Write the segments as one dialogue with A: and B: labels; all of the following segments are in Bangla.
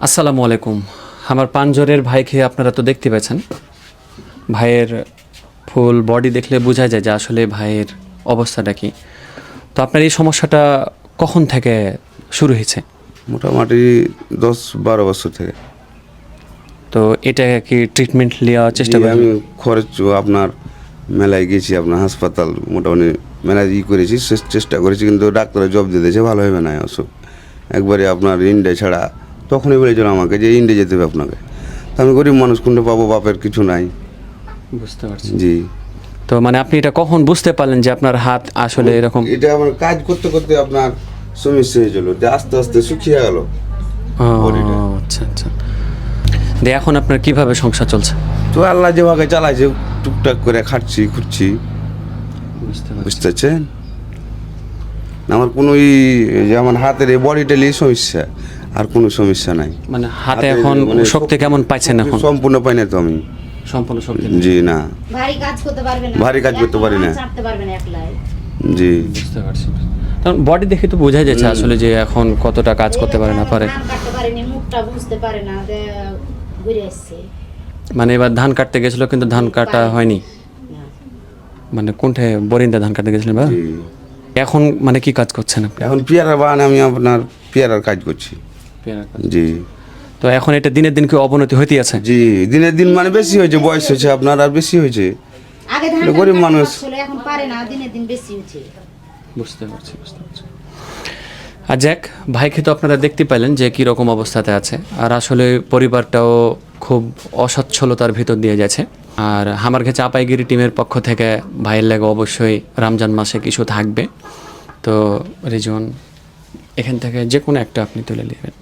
A: আসসালামু আলাইকুম। আমার পাঞ্জরের ভাইকে আপনারা তো দেখতে পেয়েছেন। ভাইয়ের ফুল বডি দেখলে বোঝা যায় যে আসলে ভাইয়ের অবস্থাটা কি। তো আপনার এই সমস্যাটা কখন থেকে শুরু হয়েছে?
B: মোটামুটি 10-12 বছর থেকে।
A: তো এটা কি ট্রিটমেন্ট নেওয়ার চেষ্টা
B: জি,
A: করেন?
B: আমি খরচ আপনার মেলায় গেছি, আপনার হাসপাতাল মোটামুটি মেলায় করেছি, চেষ্টা করেছি, কিন্তু ডাক্তারের জব দিয়ে দিয়েছে ভালো হবে না অসুখ। একবারে আপনার ইন্ডিয়া ছাড়া তখনই বলেছিল আমাকে যে ইন্ডিয়া যেতে হবে আপনাকে। তা আমি গরিব মানুষ, কোনটা পাবো, বাপের কিছু নাই।
A: বুঝতে পারছি।
B: জি,
A: তো মানে আপনি এটা কখন বুঝতে পারলেন যে আপনার হাত আসলে এরকম?
B: এটা আমার কাজ করতে করতে আপনার সমস্যা হয়েছিল, যে আস্তে আস্তে শুকিয়ে গেল
A: ও,
B: বডিটা।
A: আচ্ছা আচ্ছা। দিয়ে এখন আপনার কিভাবে সংসার চলছে?
B: তো আল্লাহ যেভাবে চালাইছে, টুকটাক করে খাচ্ছি খুঁজছি,
A: বুঝতে
B: বুঝতে পারছেন। আমার কোনো যে আমার হাতের এই বডিটা নিয়ে সমস্যা, আর কোনো সমস্যা নাই।
A: মানে হাতে
B: হাতে
A: এখন
B: মানে
A: শক্তি কেমন পাইছেন এখন?
B: সম্পূর্ণ পাই না তো আমি।
A: সম্পূর্ণ শক্তি নেই।
B: জি না,
C: ভারী কাজ করতে পারবে না,
B: ভারী কাজ করতে পারি না।
C: চাপতে পারবে না একলাই।
B: জি
A: বুঝতে পারছি। কারণ বডি দেখে তো বোঝা যাচ্ছে আসলে যে এখন কতটা কাজ করতে পারে না পারে।
C: ধান কাটতে পারেনি, মুখটা বুঝতে পারে না, যে ঘুরে আসছে।
A: মানে এবার ধান কাটতে গেছিল কিন্তু ধান কাটা হয়নি।
C: না।
A: মানে কোনঠে বরিন্দা ধান কাটতে গেছিলেন বা?
B: জি।
A: এখন মানে কি কাজ করছেন আপনি?
B: এখন পেয়ারা বাগানে আমি আপনার পেয়ারার কাজ করছি। জি
A: তো এখন এটা দিনের দিন কি অবনতি হইতে আছে?
B: জি, দিনের দিন মানে বেশি হয়েছে, বয়স হয়েছে আপনার, আর বেশি হয়েছে।
C: আগে ধান
B: গরিব
C: কাটতে
B: মানুষ।
C: পারছিল, এখন পারে না, দিনে দিন বেশি হচ্ছে।
A: বুঝতে পারছি বুঝতে পারছি। আর যাক, ভাইকে তো আপনারা দেখতে পেলেন যে কী রকম অবস্থাতে আছে। আর আসলে পরিবারটাও খুব অসচ্ছলতার ভিতর দিয়ে যাচ্ছে। আর আমার কাছে চাপাইগিরি টিমের পক্ষ থেকে ভাইয়ের লাগে অবশ্যই রমজান মাসে কিছু থাকবে। তো রিজন এখান থেকে যে কোনো একটা আপনি তুলে নেবেন।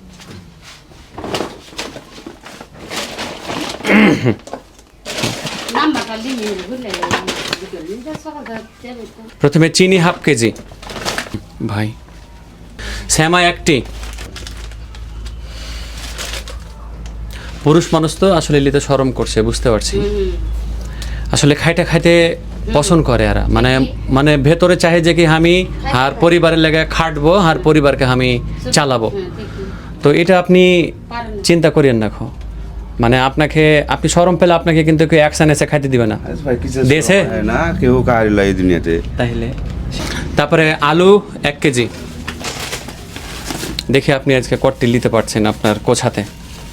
C: নাম্বারটা লিখে বুঝলে সকাল
A: প্রথমে চিনি হাফ কেজি ভাই, শ্যামা একটি। পুরুষ মানুষ তো আসলে লিতে শরম করছে, বুঝতে পারছি। আসলে খাইতে খাইতে পছন্দ করে এরা, মানে মানে ভেতরে চাহে যে কি আমি আর পরিবারের লেগে খাটবো আর পরিবারকে আমি চালাবো। তো এটা আপনি চিন্তা করিয়েন না খো। মানে আপনাকে আপনি শরম পেলে আপনাকে কিন্তু কেউ অ্যাকশন এসে খাইতে দিবে না দেশে
B: না, কেউ কাহিল এই দুনিয়াতে।
A: তাইলে তারপরে আলু 1 কেজি। দেখি আপনি আজকে কটটি নিতে পারছেন আপনার কোছাতে।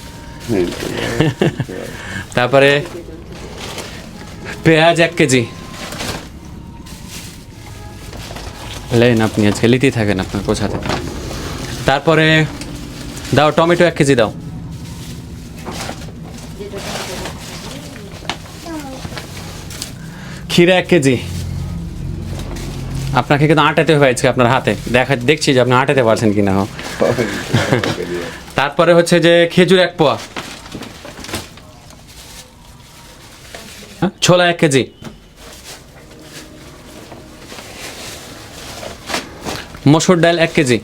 A: তারপরে পেঁয়াজ 1 কেজি। লেন আপনি আজকে লিতেই থাকেন আপনার কোছাতে। তারপরে দাও টমেটো 1 কেজি দাও। ক্ষীরা 1 কেজি। আপনাকে কিন্তু আটাতে হয়েছে আপনার হাতে, দেখছি যে আপনি আটাতে পারছেন কিনা। তারপরে হচ্ছে যে খেজুর 1 পোয়া। ছোলা 1 কেজি। মসুর ডাল 1 কেজি।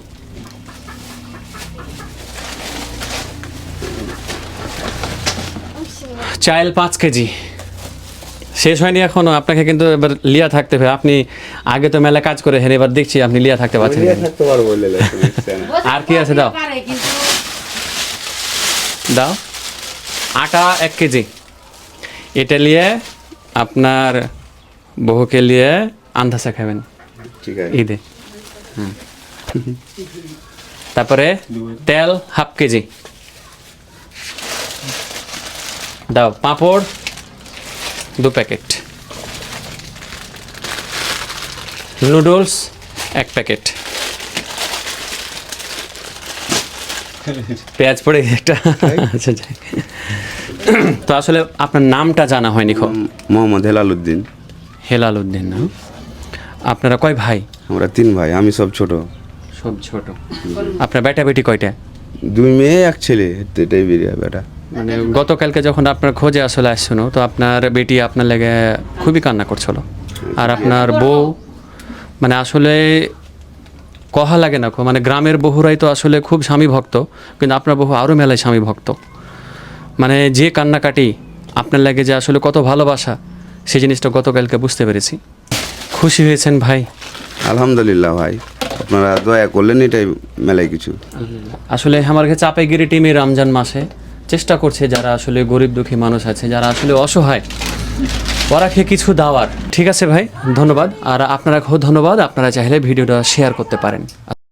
A: চাল 5 কেজি। শেষ হয়নি এখনো, আপনাকে কিন্তু এবার লিয়া থাকতে হবে। আপনি আগে তো মেলা কাজ করে হেন, এবার দেখছি আপনি লিয়া থাকতে পারছেন না।
B: থাকতে পারবো বলে
A: আর কি আছে দাও?
C: পারে কিন্তু
A: দাও আটা 1 কেজি। এটা নিয়ে আপনার বহুকে নিয়ে আন্দাজে খাবেন
B: ঠিক আছে।
A: ঈদে। হ্যাঁ। তারপরে তেল 1/2 কেজি দাও। পাঁপড় 2 প্যাকেট। Noodles 1 packet. পেঁয়াজ পড়ে একটা। আচ্ছা যাই। তো আসলে আপনার নামটা জানা হয়নি খো।
B: মোহাম্মদ হেলালুদ্দিন।
A: হেলাল উদ্দিন না? আপনারা কয় ভাই?
B: আমরা 3 ভাই, আমি সব ছোট।
A: সব ছোট। আপনার বেটা বেটি কয়টা?
B: 2 মেয়ে 1 ছেলে, এটাই বেরিয়ে বেটা।
A: মানে গতকালকে যখন আপনার খোঁজে আসলে আসছিল, তো আপনার বেটি আপনার লেগে খুবই কান্না করছিল। আর আপনার বউ মানে আসলে কহা লাগে না, মানে গ্রামের বহুরাই তো আসলে খুব স্বামী ভক্ত, কিন্তু আপনার বহু আরও মেলায় স্বামী ভক্ত। মানে যে কান্নাকাটি আপনার লাগে যে আসলে কত ভালোবাসা, সেই জিনিসটা গতকালকে বুঝতে পেরেছি। খুশি হয়েছেন ভাই?
B: আলহামদুলিল্লাহ ভাই, আপনারা দয়া করলেন এটাই মেলায় কিছু।
A: আসলে আমার কাছে চাপাইগিরি টিম এই রমজান মাসে চেষ্টা করছে যারা আসলে গরিব দুঃখী মানুষ আছে, যারা আসলে অসহায়, ওরাকে কিছু দেওয়ার। ঠিক আছে ভাই, ধন্যবাদ। আর আপনারা ধন্যবাদ, আপনারা চাইলে ভিডিওটা শেয়ার করতে পারেন।